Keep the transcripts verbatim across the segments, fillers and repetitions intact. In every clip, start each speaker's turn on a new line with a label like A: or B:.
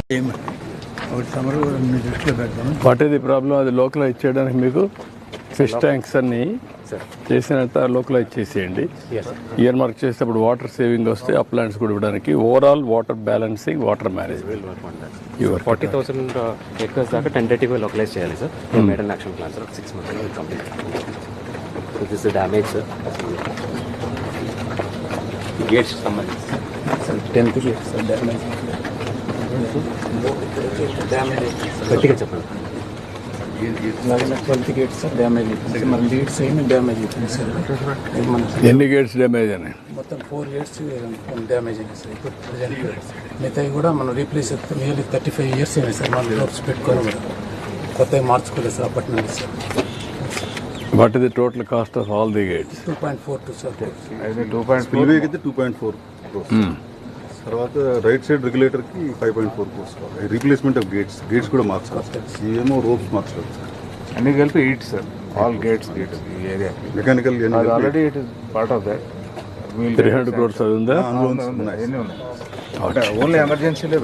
A: What is the problem? అది localize చేయడానికి మీకు ఫిష్ ట్యాంక్స్ అన్ని చేసినంత లోకలైజ్ చేసేయండి. ఇయర్ మార్క్ చేసేటప్పుడు వాటర్ సేవింగ్ వస్తే అప్లాంట్స్ కూడా ఇవ్వడానికి overall water balancing, water management
B: forty thousand acres దాకా టెంటేటివ్గా లోకలైజ్ చేయాలి sir. Model action plan sir six months complete. This damage sir. Gates సంబంధించి sir tenth gates sir damage గట్టిగా చెప్పండి. ట్వెల్త్ గేట్స్ సార్ డ్యామేజ్ అయిపోయింది. మన లీడ్స్ ఏమి damage అయిపోయింది సార్.
A: ఎన్ని గేట్స్ డ్యామేజ్ అయినాయి?
C: మొత్తం ఫోర్ గేట్స్ డ్యామేజ్ అయినాయి సార్. ఇప్పుడు ప్రజెంట్ మిగతాయి కూడా మనం రీప్లేస్ చేస్తాం. నియర్లీ థర్టీ ఫైవ్ ఇయర్స్ అయినాయి సార్. మన డోర్స్ పెట్టుకొని కూడా కొత్తగా మార్చుకోలేదు సార్ అప్పటి నుండి sir.
A: What is the total cost of all the gates?
C: Two point four two sir.
D: Two point four అయితే టూ పాయింట్ ఫోర్ తర్వాత రైట్ సైడ్ రెగ్యులేటర్కి five point four course replacement of gates gates కూడా మార్చాలి. ఇవేమో ropes మార్చాలి sir.
E: అన్ని కలిపి eight sir. All gates gates ఈ area
D: mechanical
E: already it is part of that.
A: Three hundred crores అది ఉందా?
E: ఎన్ని ఉన్నాయి? ఓన్లీ ఎమర్జెన్సీలే.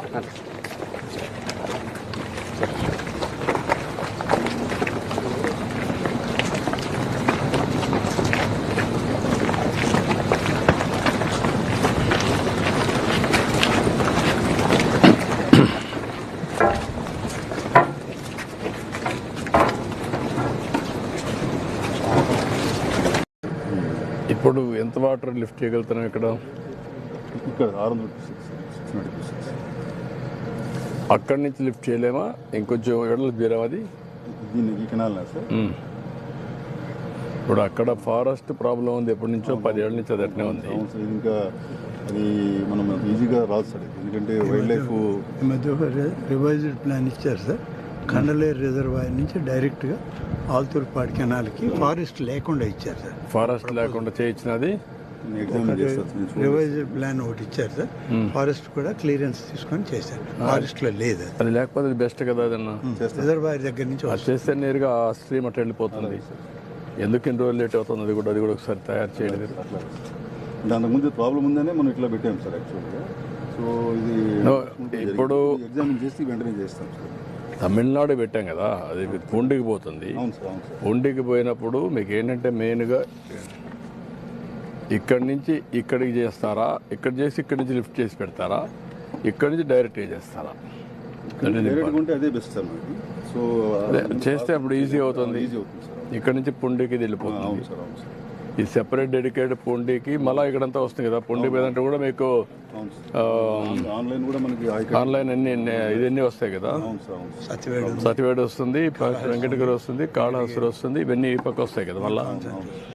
A: ఇప్పుడు ఎంత వాటర్ లిఫ్ట్ చేయగలుగుతున్నాం ఇక్కడ?
D: ఇక్కడ ఆరు వందల సిక్స్ నైంటీ సిక్స్
A: అక్కడి నుంచి లిఫ్ట్ చేయలేమా? ఇంకొంచెం ఎడలు తీరాం అది.
D: దీన్ని ఈ కెనాల్ సార్.
A: ఇప్పుడు అక్కడ ఫారెస్ట్ ప్రాబ్లం ఉంది ఎప్పటి నుంచో, పదేళ్ళ నుంచి అది అట్నే ఉంది.
D: అవును సార్. ఇంకా అది మనం ఈజీగా రాదు సార్. ఎందుకంటే వైల్డ్ లైఫ్
F: ఈ మధ్య ఒక రివైజ్డ్ ప్లాన్ ఇచ్చారు సార్. కండలేరు రిజర్వాయర్ నుంచి డైరెక్ట్గా ఆల్తూర్పాడు కెనాల్కి ఫారెస్ట్ లేకుండా ఇచ్చారు సార్.
A: ఫారెస్ట్ లేకుండా చేయించినది
F: రివైజ్డ్ ప్లాన్ ఒకటి ఇచ్చారు సార్. ఫారెస్ట్ కూడా క్లియరెన్స్ తీసుకొని చేశారు. ఫారెస్ట్ లో లేదు
A: అది. లేకపోతే బెస్ట్ కదా అదన్నా.
F: రిజర్వాయర్ దగ్గర నుంచి
A: అది చేస్తే నేరుగా ఆ స్ట్రీమ్ అట్లా వెళ్ళిపోతుంది. ఎందుకు ఇన్ని రోజులు లేట్ అవుతుంది? అది కూడా అది కూడా ఒకసారి తయారు చేయలేదు.
D: దానికి ముందు ప్రాబ్లం ఉందనే మనం ఇట్లా పెట్టాం సార్ యాక్చువల్గా. సో ఇది
A: ఇప్పుడు
D: ఎగ్జామిన్ చేసి వెంటనే చేస్తాం సార్.
A: తమిళనాడు పెట్టాం కదా, అది పూండికి పోతుంది. పూండికి పోయినప్పుడు మీకు ఏంటంటే మెయిన్గా ఇక్కడి నుంచి ఇక్కడికి చేస్తారా, ఇక్కడ చేసి ఇక్కడి నుంచి లిఫ్ట్ చేసి పెడతారా, ఇక్కడి నుంచి డైరెక్ట్ చేస్తారా?
D: అదే బెస్ట్ సార్. సో
A: చేస్తే అప్పుడు ఈజీ అవుతుంది. ఇక్కడ నుంచి పుండికి వెళ్ళిపోతుంది. ఈ సెపరేట్ డెడికేటెడ్ పుండికి మళ్ళీ ఇక్కడంతా వస్తుంది కదా. పుండి మీద అంటే కూడా మీకు
D: ఆన్లైన్ కూడా మనకి
A: ఆన్లైన్ అన్ని ఇవన్నీ వస్తాయి కదా. సతివేడు వస్తుంది, వెంకటగిరి వస్తుంది, కాళహస్తి వస్తుంది, ఇవన్నీ ఈ పక్క వస్తాయి కదా మళ్ళీ.